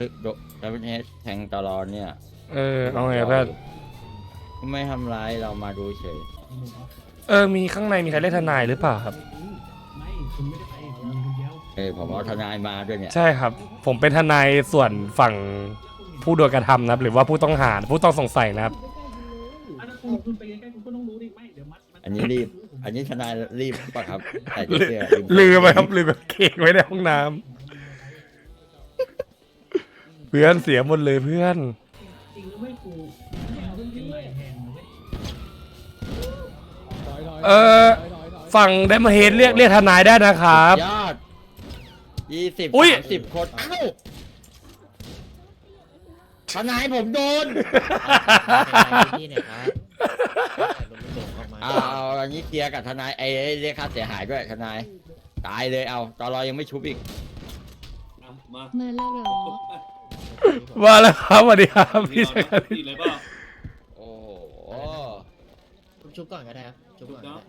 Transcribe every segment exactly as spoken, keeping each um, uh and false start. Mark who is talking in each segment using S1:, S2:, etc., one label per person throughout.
S1: ดับเบิลเอสแทงตลอดเนี่ย
S2: เออเอาไงเพื่อน
S1: ไม่ทำร้ายเรามาดูเฉย
S2: เออมีข้างในมีใครเล่นทนายหรือเปล่าครับ
S3: ไม่คุณไม่ได้ไปผมมีคนเดียว
S1: เออผมเอาทนายมาด้วยเนี่ย
S2: ใช่ครับ ผมเป็นทนายส่วนฝั่งผู้โดนกระทำนะครับ หรือว่าผู้ต้องหาผู้ต้องสงสัยนะครับ
S3: อ่ะถ้าคุณคุณไปใกล้ๆคุณก็ต้องรู้ดิไม่เดี๋ยวมัดมั
S1: อันนี้รีบ อันนี้ทนายรีบปะครับแต่
S2: ลื
S1: เสื้อ
S2: ลืมไปครับลืมกางเกงไว้ในห้องน้ำเพื่อนเสียหมดเลยเพื่อน
S3: จริงหรือไม่กูแทงเรื่องเป็นไรแทงนะเว้ย
S2: เออฝั่งไดมอนเฮดเรียกเรียกทนายได้นะครับ
S1: ยอดยี่สิบ
S2: อุ๊ย
S1: สามสิบคนเอ้าทนายผมโดน
S4: ที่เนี่ยครับส่งเข้ามา
S1: เอาเอาอันนี้เคลียร์กับทนายไอ้ไอ้เรียกค่าเสียหายด้วยทนายตายเลยเอาตลอยังไม่ชุบอีก
S3: เอามา
S5: มาแล้วเหรอ
S2: ว่าแล้วครับสวัสดีครับพี่ชาย
S3: ตีเลยเปล่า
S1: โอ้โห
S4: ชุบก่อนก็ได้ครับชุบก่อนก็ได้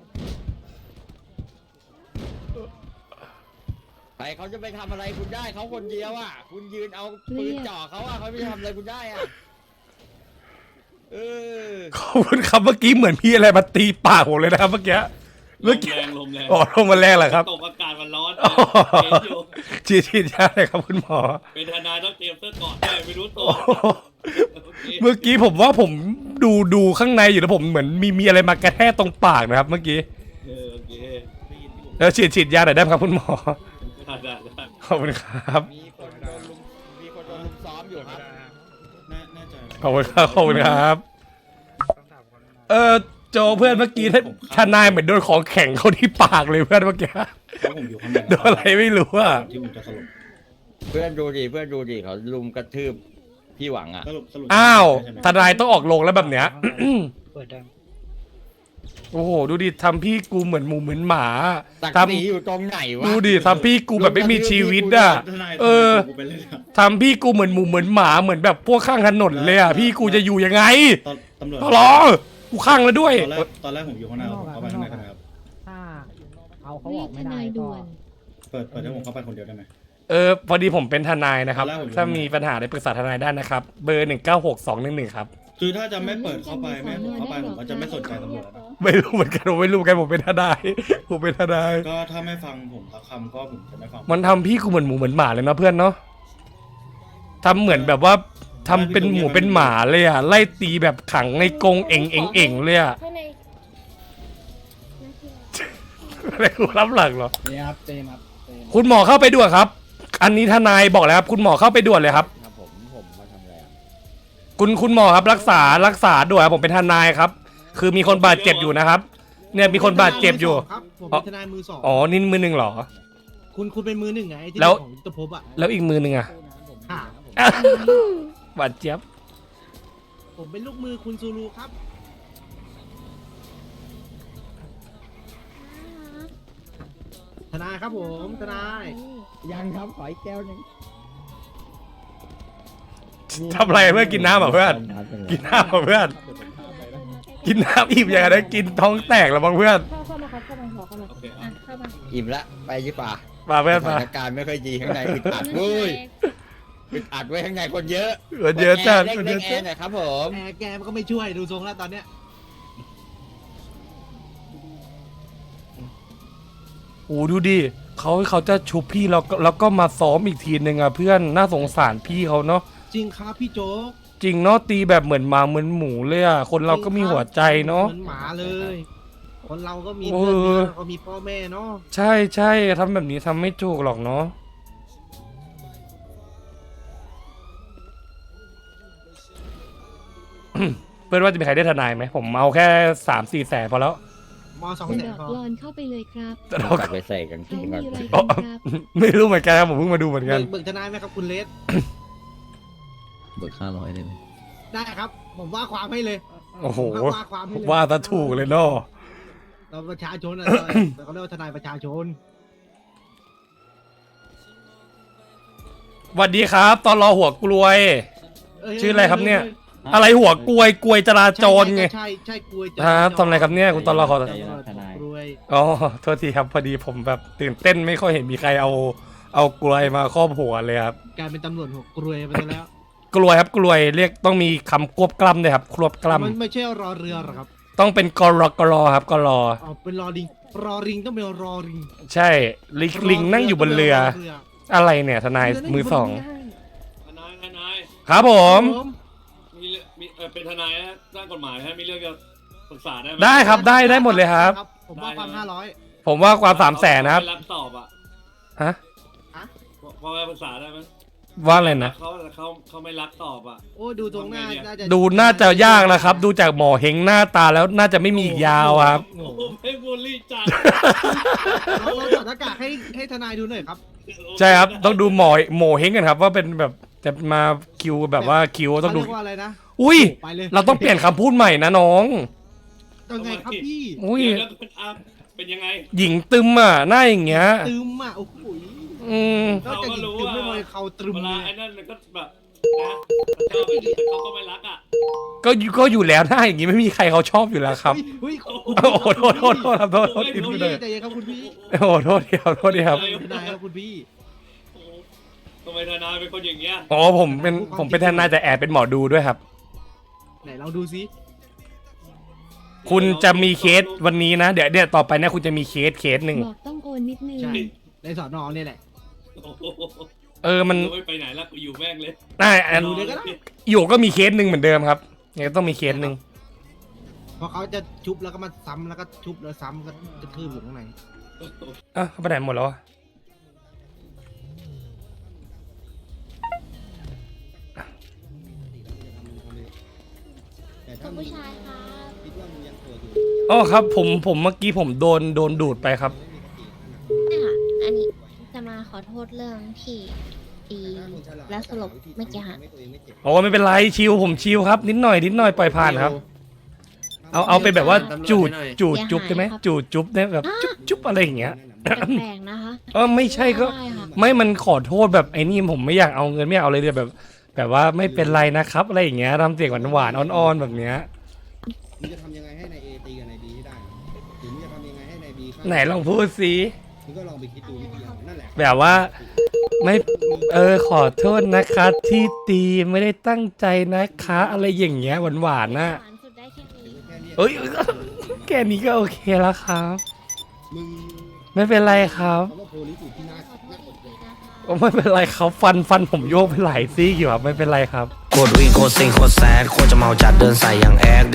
S1: ใครเขาจะไปทำอะไรคุณได้เขาคนเดียวอ่ะ คุณยืนเอาปืนจ่อเขาอ่ะเขาไม่ทำอะไรคุณได้อ่ะเออ
S2: ขอบคุณครับเมื่อกี้เหมือนพี่อะไรมาตีปากผมเลยนะครับเมื่อกี้
S3: ล
S2: เมื่อ
S3: ม
S2: กี้
S3: แรงลมแรง
S2: อ๋อลงมาแรงเหรอครับ
S3: ตกอากาศมันร้อน
S2: อ๋อ
S3: เห็นอยู่
S2: ฉีดฉีดยาเลยครับคุณหมอ
S3: เป็นทนายต้องเตรียมเสื้อเกราะด้วยไม่รู้ตัว
S2: โอ้โห
S3: โอเค
S2: เมื่อกี้ผมว่าผมดูดูข้างในอยู่แล้วผมเหมือนมีมีอะไรมากระแทกตรงปากนะครับ เมื่อกี้
S3: เออโอเคได้ยินที่ผม
S2: แล้วฉีดฉีดยาหน่อยได้ไหมครับคุณหมอ
S3: ได้ได้ได้
S2: ขอบคุณครับ
S1: มีคนโดนลุมมีคนโดนลุมซ้อมอยู่ครับ
S3: แน่ใจ
S2: ขอบคุณครับขอบคุณครับ เออโจเพื่อนเมื่อกี้ท่านทนายเหมือนโดนของแข็งเข้าที่ปากเลยเพื่อนเมื่อกี้
S3: แล้วผมอยู่ข้างใน
S2: โดนอะไรไม่รู้อ่ะ
S3: ที่ผมจะสรุป
S1: เพื่อนดูดิเพื่อนดูดิเขาลุมกระทืบพี่หวังอ่ะ
S3: สรุปสรุป
S2: อ้าว
S3: ใช่ไหม
S2: ทนายต้องออกลงแล้วแบบเนี้ย
S4: เปิดได้
S2: โอ้โหดูดิทำพี่กูเหมือนหมูเหมือนหมา
S1: ตัก
S2: ท
S1: สีอยู่ตรงไหน
S2: ำ
S1: วะ
S2: ดูดิทำพี่กูแบบไม่มีชีวิตอ่ะ
S3: ทนาย
S2: เออ
S3: กูไปเลยอะ
S2: ทำพี่กูเหมือนหมูเหมือนหมาเหมือนแบบพวกข้างถนนเลยอ่ะพี่กูจะอยู่ยังไง
S3: ตอนตำรวจ
S2: ตลอกูข้างแล้วด้วย
S3: ตอนแรกตอนแรกผมอยู่ข้างในผมเข้าไปข้างในได้ไหมครับ
S6: ถ้าเอาเขา
S5: เรี
S6: อย อก
S5: กท
S6: ไม่ได้
S5: นาย
S6: ก็
S5: ด่วน
S3: เปิดเปิดให้ผมเข้าไปคนเดียวได้ไหม
S2: เออพอดีผมเป็นทนายนะครับ
S3: ตอนแรกผมอยู่
S2: ถ้ามีปัญหาอะไรปรึกษาทนายได้นะครับ เบอร์หนึ่งเก้าหกสองหนึ่งหนึ่งครับ
S3: คือถ้าจะไม่เปิดเข้าไปไม่ให้ผมเข้าไปผมก็จะไม่สนใจตำรวจแล้วนะ
S2: ไม่รู้เหมือนกันผมไม่รู้เหมือนกันผมเป็นทนายผมเป็นทนาย
S3: ก็ถ้าไม่ฟังผมสักคำก็ผมจะไม่ฟัง
S2: มันทำพี่กูเหมือนหมูเหมือนหมาเลยนะเพื่อนเนาะทำเหมือนแบบว่าทำเป็นหมูเป็นหมาเลยอ่ะไล่ตีแบบขังในกรงเอ่งเอ่งเอ่งเลยอ่ะ
S5: ข้างใน
S2: อะไรกูรับหลังเหรอ
S6: เนี่ยครับเจนครับเจน
S2: คุณหมอเข้าไปด่วนครับ อันนี้ทนายบอกแล้วครับคุณหมอเข้าไปด่วนเลยครับ
S1: ครับผมผมมาทำอะไรอ่ะ
S2: คุณคุณหมอครับรักษารักษาด่วนครับผมเป็นทนายครับ คือมีคนบาดเจ็บอยู่นะครับ เนี่ยมีคนบาดเจ็บอยู่
S7: ครับผมเป็นทนายมือสอง
S2: อ๋อนี่มือหนึ่งเหรอ
S7: คุณคุณเป็นมือหนึ่งไงที่
S2: แล้ว
S7: ของยุทธภพอ่ะ
S2: แล้วอีกมือหนึ่งอะ
S7: ค่ะ
S2: บาดเจ็บ
S7: ผมเป็นลูกมือคุณซูรูครับ ทนายครับผมทนาย
S6: ยังครับขออีกแก้วหนึง
S2: ทำอะไรเพื่อนกินน้ำเหรอเพื่อนกินน้ำเหรอเพื่อนกินน้ำอิ่มอย่างไรกินท้องแตกแล้วบ้างเพื่อน
S5: เข้าเข้ามาครับเข้ามาขอเข้ามา
S3: โอเค
S5: อ่ะเข้ามา
S1: อิ่มละไปยี่ป่า
S2: มาเพื่อน
S1: ส
S2: มา
S1: ถานการณ์ไม่ค่อยดีข้างในอึดอัดเว้ยอึดอัดไว้ข้างในคนเยอะ
S2: เออเยอะจัด
S1: เล่น
S2: เย
S1: เล่
S2: อะ
S1: นแอ
S2: จัด
S1: ร์หน่อยครับผม
S7: แอร์แกมันก็ไม่ช่วยดูทรงแล้วตอนเนี้ย
S2: โอ้ดูดิเขาเขาจะชุบพี่แล้วก็แล้วก็มาซ้อมอีกทีหนึ่งอ่ะเพื่อนน่าสงสารพี่เขาเนาะ
S7: จริงครับพี่โจ๊ก
S2: จริงเนาะตีแบบเหมือนหมาเหมือนหมูเลยอ่ะคนเราก็มีหัวใจเนาะ
S7: เหมือนหมาเลย คนเราก็มี
S2: เออ
S7: เพื่อนมีเราก็มีพ่อแม่เนาะ
S2: ใช่ใช่ทำแบบนี้ทำไม่ถูกหรอกเนาะ เพื่อนว่าจะมีใครได้ทนายไหมผมเอาแค่สามสี่แสนพอแล้ว
S7: มสอง
S5: คุณ
S7: แส
S5: ด
S7: น
S5: อก
S7: พอก
S5: ลอนเข้าไปเลยครับ
S2: แต่
S1: เรา
S2: เรา
S1: กลับไปใส่กางเก
S5: เขา
S1: ง
S5: มี
S1: ก่อน
S5: อะไร
S2: อ๋อ
S5: กันครับ
S2: ไม่รู้เหมือนกันครับผมเพิ่งมาดูเหมือนกัน
S7: เบิกเบิกทนายไหมครับคุณเลส
S4: เบิกห้าร้อยเลยไหม
S7: ได้ครับ ผมว่าความให้เลย
S2: โอ้โห
S7: ผมว่าความให้เลย
S2: ว่าซะถูกเลยเนาะ
S7: เราประชาชนอะเราเขาเรียกว่าทนายประชาชน
S2: สวัสดีครับตอนรอหัวกลวย
S7: เย
S2: ชื่ออะไรครับเนี่ย
S7: ฮ้
S2: อะไรหัวกลวยกลวยจราจรไง
S7: ใช่ใช่ใช่กลวยจ
S2: ครับทำอะไรครับเนี่ยคุณตอนรอขอ
S7: ทนายกลวย
S2: อ๋อโทษทีครับพอดีผมแบบตื่นเต้นไม่ค่อยเห็นมีใครเอาเอากลวยมาครอบหัวเลยครับ
S7: กลายเป็นตำรวจหัวกรวยไปซะแล้ว
S2: กลวยครับกลวยเรียกต้องมีคำควบกล้ำด้วยครับควบกล้
S7: มันไม่ใช่รอเรือหรอครับ
S2: ำต้องเป็นกรกรครับกรอ
S7: อ๋อเป็นรอริงรอริงต้องเป็นรอริง
S2: ใช่ลิงลิงนั่งอยู่บนเรือ อะไรเนี่ยทนายมือสอง
S8: ทนายทนาย
S2: ครับผม
S8: มีเรื่องมีเออเป็นทนายนะด้านกฎหมายฮะมีเรื่องจะปรึกษาได้ไหม
S2: ได้ครับได้ได้หมดเลยครับ
S7: ผมว่าความห้าร้อย
S2: ผมว่าความสามแสนนะครับ
S8: ไม่รับตอบอ่ะ
S2: ฮะ
S8: พอไปปรึกษาได้ไหม
S2: ว่าอะไรนะ
S8: เขาเขาเขาไม่รับตอบอ่ะ
S7: โอ้ดูตรงหน้าน่าจะ
S2: ดูน่าจะยากแล้วครับ ดูจากหมอเฮงหน้าตาแล้วน่าจะไม่มีอีกยาวครับ
S8: โอ้โหไม่บูลลี่จัด
S7: เราเราถอดหน้ากากให้ให้ทนายดูหน่อยครับ
S2: ใช่ครับต้องดูหมอหมอเฮงกันครับ ว่าเป็นแบบจะมาคิวแบบว่าคิวต้องดู
S7: เขาเรียกว่าอะไรนะ
S2: อุ้ย
S7: ไปเลย
S2: เราต้องเปลี่ยนคำพูดใหม่นะน้อง
S7: ยังไงครับพี่
S2: อุ้ย
S8: เดี๋ยวแล้วอ่ะเป็นยังไง
S2: หญิงตึมอ่ะหน้าอย่างเงี้ย
S7: ตึมอ่ะโอ้โห
S2: อืม
S7: นอกจากหญิงตึมไม่พอเขาตรึม
S8: เว
S7: เล
S8: ลาย ไอ้นั่นมันก็แบบนะชอบไปดิแต่เขาก็ไม่รักอ่ะ
S2: ก็อยู่ก็อยู่แล้วหน้าอย่างงี้ไม่มีใครเขาชอบอยู่แล้วครับ
S7: เฮ้ย
S2: โอ้โหโทษโทษโทษครับโทษโทษ
S7: คุณ
S2: ที
S7: พี่
S2: เลย
S7: ใจเย็นครับคุณพี่
S2: โอ้โหโทษทีครับโทษทีครับ
S7: ทนายครับคุณพี่
S8: โอ้โหทำไมทนายเป็นคนอย่างเงี้ย
S2: อ๋อผมเป็นผมเป็นทนายแต่แอบเป็นหมอดูด้วยครับ
S7: ไหนลองดูซิ
S2: คุณจะมีเคสวันนี้นะ เดี๋ยวเดี๋ยวต่อไปนะคุณจะมีเคสเคสหนึ่ง
S5: บอกต้องโอนนิดนึง
S7: ใช่ในสอนอเนี่ยแหละ
S8: โอ้โห
S2: เออมัน
S8: ไม่ไปไหนละกูอยู่แม่งเลย
S2: น่าอัน
S7: ดูเลยก็ได้
S2: อยู่ก็มีเคสหนึ่งเหมือนเดิมครับยังต้องมีเคสหนึ่ง
S7: เพราะเขาจะชุบแล้วก็มาซ้ำแล้วก็ชุบแล้วซ้ำก็จะทืบอยู่ข้างใน
S2: อ่ะเขาไปไหนหมดแล้ววะ
S5: คุณผู้ชายครับ
S2: อ๋อครับผมผมเมื่อกี้ผมโดนโดนดูดไปครับ
S5: เนี่ยอันนี้จะมาขอโทษเรื่องที่ตีและสลบเมื่อกี้ฮะ
S2: โอ้ไม่เป็นไรชิวผมชิวครับ นิดหน่อยนิดหน่อยปล่อยผ่านครับ เอาเอาไปแบบว่าจูดจูดจุ๊บได้ไหมจูดจุ๊บได้แบบจุ๊บจุ๊บอะไรอย่างเงี้ย
S5: แปลกๆนะคะ
S2: เออไม่ใช่ก็
S5: ได้ค่ะ
S2: ไม่มันขอโทษแบบไอ้นี่ผมไม่อยากเอาเงินไม่อยากเอาเลยเดี๋ยวแบบ แบบว่าไม่เป็นไรนะครับอะไรอย่างเงี้ยทำเสียงหวานๆอ่อนๆแบบเนี้ย
S6: มึงจะทำยังไงให้นายเอตีกับนายบีให้ได้หรือมึงจะทำยังไงให้นายบีฆ่า
S2: ไหนลองพูดสิ
S6: มึงก็ลองไปคิดดูวิธีเอานั่นแหละ
S2: แบบว่าไม่เออขอโทษนะคะที่ตีไม่ได้ตั้งใจนะคะ อะไรอย่างเงี้ยหวานๆนะ
S5: หวานสุดได้แค่นี้
S6: แค่นี้
S2: เอ้ยแค่นี้ก็โอเคแล้วครับ
S6: มึง
S2: ไม่เป็นไรครับ
S6: คำว่าโพลิสอยู่ที่หน้า
S5: ขอโทษอีกทีนะคะ
S2: โอ้ไม่เป็นไรครับฟันฟันผมโยกไปหลายซี่อยู่ครับไม่เป็นไรครับ
S9: โคตรวิ่งโคตรซิงโคตรแซดโคตรจะเมาจัดเดินใส่อย่างแอด